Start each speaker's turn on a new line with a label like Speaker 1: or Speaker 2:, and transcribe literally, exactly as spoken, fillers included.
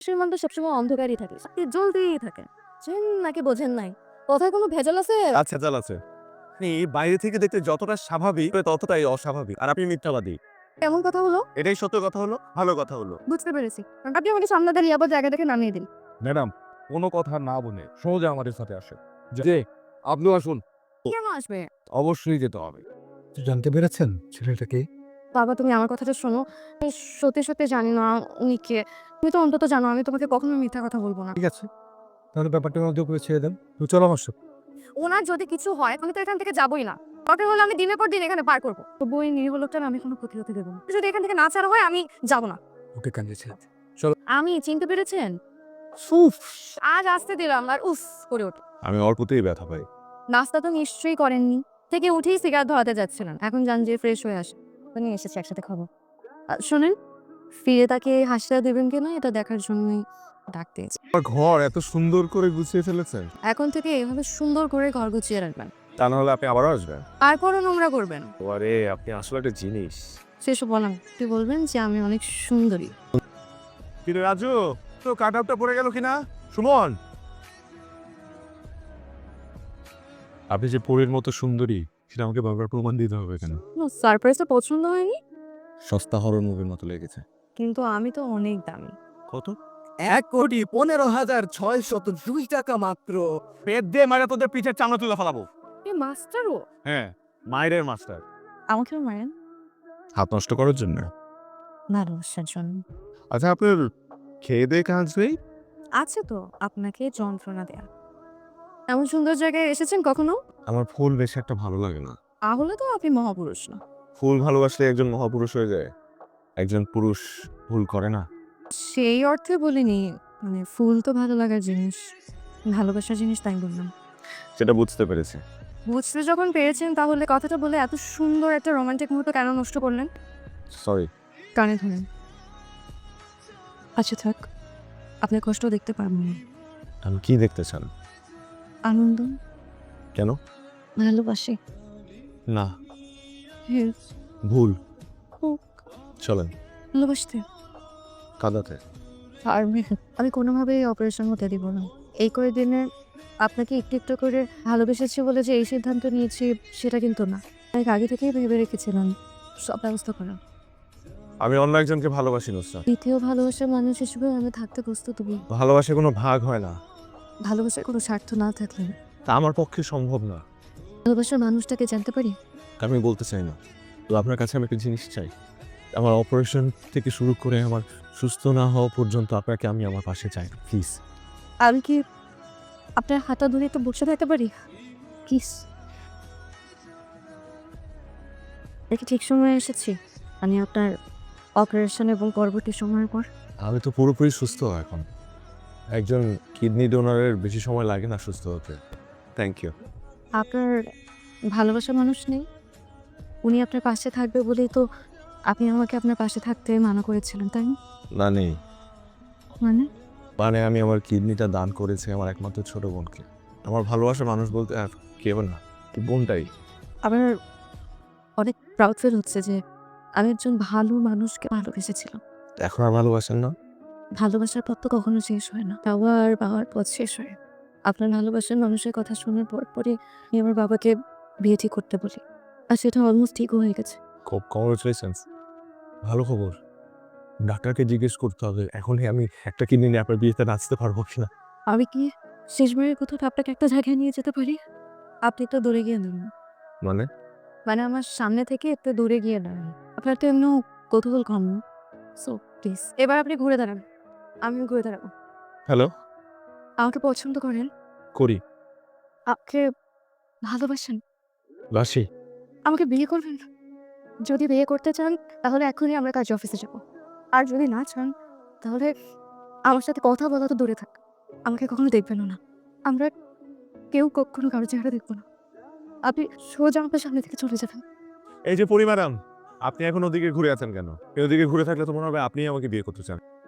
Speaker 1: সে মনটা সবসময় অন্ধকারই থাকে, সাথে জ্বলতেই থাকে। চেন নাকি বোঝেন নাই? কথায় কোনো ভেজাল আছে?
Speaker 2: আচ্ছা চাল আছে। আপনি বাইরে থেকে দেখতে যতটা স্বাভাবিক ততটাই অস্বাভাবিক। আর আপনি মিথ্যাবাদী।
Speaker 1: কেমন কথা হলো?
Speaker 2: এটাই সত্য কথা হলো, ভালো কথা হলো।
Speaker 1: বুঝতে পেরেছি। আপনি আমাকে সামনে দাঁড়িয়ে আবার জায়গা থেকে নামিয়ে দিন।
Speaker 3: ম্যাডাম, কোনো কথা না বলে সোজা আমাদের সাথে আসেন। যে আপনিও আসুন।
Speaker 1: কেন আসবে?
Speaker 3: অবশ্যই যেতে হবে। জানতে পেরেছেন ছেলেটা কে?
Speaker 1: বাবা, তুমি আমার কথাটা শোনো। আমি সত্যি, সত্যি জানি না উনি কে। তুমি তো অন্তত জানো আমি তোমাকে কখনো মিথ্যা কথা বলবো না।
Speaker 3: ঠিক আছে, তাহলে ব্যাপারটা ওনাদের উপরে ছেড়ে দেন। তো চলো আমার সাথে।
Speaker 1: ওনার যদি কিছু হয় আমি তো এখান থেকে যাবোই না। দরকার হলে আমি দিনের পর দিন এখানে পার করবো। তবু ওই নিরীহ লোকটার আমি কোনো ক্ষতি হতে দেবো না। যদি এখান থেকে না ছাড়া হয় আমি যাবো না।
Speaker 3: ওকে কাঁদিয়েছে।
Speaker 1: আমি চিনতে পেরেছেন? উফ! আজ আসতে দিলাম আর উফ করে ওঠে।
Speaker 2: আমি অল্পতেই ব্যথা পাই।
Speaker 1: নাস্তা তো নিশ্চয়ই করেননি। থেকে উঠেই সিগারেট ধরাতে যাচ্ছিলেন। এখন যান যেয়ে ফ্রেশ হয়ে আসেন। উনি এসেছে একসাথে খাবো। আ শোনেন, ফিরে তাকে হাসিটা দেবেন কিনা এটা দেখার জন্যই ডাকতে এসেছি।
Speaker 2: আমার ঘর এত সুন্দর করে গুছিয়ে ফেলেছেন।
Speaker 1: এখন থেকে এভাবে সুন্দর করে ঘর গুছিয়ে রাখবেন।
Speaker 2: তা না হলে আপনি আবারও আসবেন।
Speaker 1: তারপরও নোংরা করবেন।
Speaker 2: আরে আপনি আসলে একটা জিনিস।
Speaker 1: সেসব বলেন। তুই বলবেন যে আমি অনেক সুন্দরী।
Speaker 2: কিন্তু রাজু, তো কাট আপটা পড়ে গেল কিনা? সুমন, আপনি যে পরীর মতো সুন্দরী সেটা আমাকে বারবার প্রমাণ দিতে হবে কেন?
Speaker 1: নো, সারপ্রাইজটা পছন্দ হয়নি?
Speaker 2: সস্তা হরর মুভির মতো লেগেছে।
Speaker 1: কিন্তু আমি তো অনেক দামি।
Speaker 2: কত?
Speaker 4: এক কোটি পনেরো হাজার ছয়শত দুই টাকা মাত্র।
Speaker 2: পেট দিয়ে মারা তোদের পিঠের চামড়া তুলে ফেলাবো।
Speaker 1: এ মাস্টারও
Speaker 2: হ্যাঁ, মায়ের মাস্টার।
Speaker 1: আমাকেও মারেন
Speaker 2: হাত নষ্ট করার জন্য।
Speaker 1: ভালোবাসার জন্য।
Speaker 2: আচ্ছা, আপনার খেয়ে দিয়ে কাজ নেই?
Speaker 1: আছে তো আপনাকে যন্ত্রণা দেয়া। এমন সুন্দর জায়গায় এসেছেন কখনো?
Speaker 2: আমার ফুল বেশি একটা ভালো লাগে না।
Speaker 1: তাহলে তো আপনি মহাপুরুষ না।
Speaker 2: ফুল ভালোবাসলে একজন মহাপুরুষ হয়ে যায়। একজন পুরুষ ভুল করে না।
Speaker 1: সেই অর্থে বলিনি। মানে ফুল তো ভালো লাগার জিনিস। ভালোবাসার জিনিস তাই বললাম।
Speaker 2: সেটা বুঝতে পেরেছি।
Speaker 1: বুঝতে যখন পেরেছেন তাহলে কথাটা বলে এত সুন্দর একটা রোমান্টিক মুহূর্ত কেন নষ্ট করলেন?
Speaker 2: সরি।
Speaker 1: কানে ধরেন। আচ্ছা থাক। আপনার কষ্ট দেখতে পারবো না।
Speaker 2: আমি কি দেখতে চান?
Speaker 1: আনন্দ,
Speaker 2: কেন?
Speaker 1: ভালোবাসি।
Speaker 2: না,
Speaker 1: হ্যাঁ,
Speaker 2: ভুল।
Speaker 1: হোক।
Speaker 2: চলেন
Speaker 1: ভালোবাসতে
Speaker 2: কাঁদাতে।
Speaker 1: পারবে। আমি কোনোভাবেই অপারেশন হতে দিব না। এই কয়েকদিনে আপনাকে একটু, একটু করে ভালোবেসেছি বলে যে এই সিদ্ধান্ত নিয়েছি সেটা কিন্তু না। অনেক আগে থেকেই ভেবে রেখেছিলাম সব ব্যবস্থা করা।
Speaker 2: আমি অন্য একজনকে ভালোবাসি নুসরাত।
Speaker 1: দ্বিতীয় ভালোবাসার মানুষ হিসেবে আমি থাকতে প্রস্তুত হই।
Speaker 2: ভালোবাসা কোনো ভাগ হয় না।
Speaker 1: ভালোবাসার কোনো স্বার্থ না থাকলে
Speaker 2: তা আমার পক্ষে সম্ভব না।
Speaker 1: ভালোবাসার মানুষটাকে জানতে পারি।
Speaker 2: আমি বলতে চাই না। তো আপনার কাছে আমি একটা জিনিস চাই। আমার অপারেশন থেকে শুরু করে আমার সুস্থ না হওয়া পর্যন্ত আপনাকে আমি আমার পাশে চাই। প্লিজ।
Speaker 1: আমি কি আপনার হাতটা ধরে একটু বসে থাকতে পারি? প্লিজ। দেখি ঠিক সময়ে এসেছি। আমি আপনার অপারেশন এবং পরবর্তী সময়ের পর
Speaker 2: আমি তো পুরোপুরি সুস্থ এখন। একজন কিডনি ডোনারের বেশি সময় লাগে না সুস্থ হতে। Thank you.
Speaker 1: আপনার ভালোবাসার মানুষ নেই? উনি আপনার পাশে থাকবে বলেই তো আপনি আমাকে আপনার পাশে থাকতে মানা করেছিলেন, তাই না?
Speaker 2: না নেই।
Speaker 1: মানে?
Speaker 2: মানে আমি আমার কিডনিটা দান করেছি আমার একমাত্র ছোট বোনকে। আমার ভালোবাসার মানুষ বলতে আর কেউ না, বোনটাই।
Speaker 1: আমার অনেক প্রাউড ফিল হচ্ছে যে আমি একজন ভালো মানুষকে ভালোবেসেছিলাম।
Speaker 2: এখন আর ভালোবাসেন না?
Speaker 1: ভালোবাসার পথ তো কখনো শেষ হয় না। পাওয়ার পাওয়ার পথ শেষ হয়। আপনার ভালোবাসার মানুষের কথা শোনার পর পরই আমি আমার বাবাকে বিয়ে ঠিক করতে বলি। আর সেটা অলমোস্ট ঠিকও হয়ে গেছে।
Speaker 2: খুব কংগ্রেচুলেশনস। ভালো খবর। ডাক্তারকে জিজ্ঞেস করতে হবে এখনই আমি একটা কিডনি নিয়ে আপনার বিয়েতে নাচতে পারবো কিনা।
Speaker 1: আমি কি শেষবারের কোথাও আপনাকে একটা জায়গায় নিয়ে যেতে পারি? আপনি তো দূরে গিয়ে নেন।
Speaker 2: মানে?
Speaker 1: মানে আমার সামনে থেকে একটু দূরে গিয়ে দাঁড়ান। আপনার তো এমনিও কৌতূহল কম না। সো প্লিজ এবার আপনি ঘুরে দাঁড়ান। আমিও ঘুরে দাঁড়াবো।
Speaker 2: হ্যালো?
Speaker 1: আমাকে পছন্দ করেন?
Speaker 2: করি।
Speaker 1: আমাকে ভালোবাসেন?
Speaker 2: বাসি।
Speaker 1: আমাকে বিয়ে করবেন? যদি বিয়ে করতে চান তাহলে এখনই আমরা কাজ অফিসে যাব। আর যদি না চান তাহলে আমার সাথে কথা বলা তো দূরে থাক। আমাকে কখনো দেখবেনও না। আমরা কেউ কখনো কারো চেহারা দেখব না। আপনি সোজা আমার সামনে থেকে চলে যাবেন।
Speaker 2: এই যে পরি ম্যাডাম, আপনি এখন ওদিকে ঘুরে আছেন কেন? এই ওদিকে ঘুরে থাকলে তো মনে হবে আপনিই আমাকে বিয়ে করতে চান।